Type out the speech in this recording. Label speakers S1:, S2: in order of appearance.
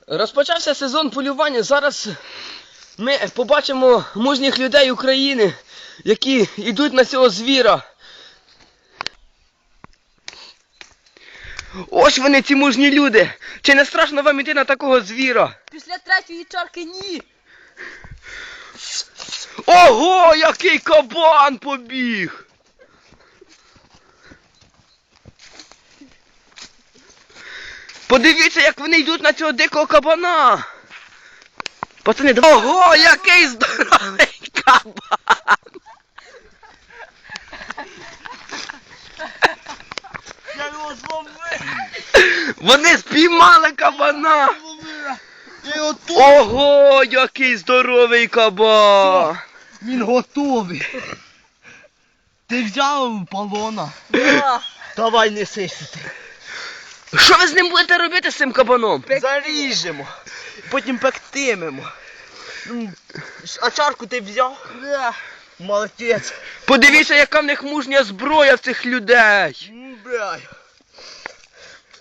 S1: Розпочався сезон полювання. Зараз ми побачимо мужніх людей України, які йдуть на цього звіра. Ось вони, ці мужні люди. Чи не страшно вам іти на такого звіра?
S2: Після третьої чарки ні.
S1: Ого, який кабан побіг! Подивіться, як вони йдуть на цього дикого кабана. Пацани, ого, який здоровий кабан!
S3: Я його зловив!
S1: Вони спіймали кабана!
S3: Я його тут!
S1: Ого, який здоровий кабан!
S3: Він готовий! Ти взяв полона? Давай неси сюди.
S1: Що ви з ним будете робити, з цим кабаном?
S3: Заріжемо, потім пектимемо. А чарку ти взяв? Молодець.
S1: Подивіться, яка в них мужня зброя в цих людей!
S3: Бля.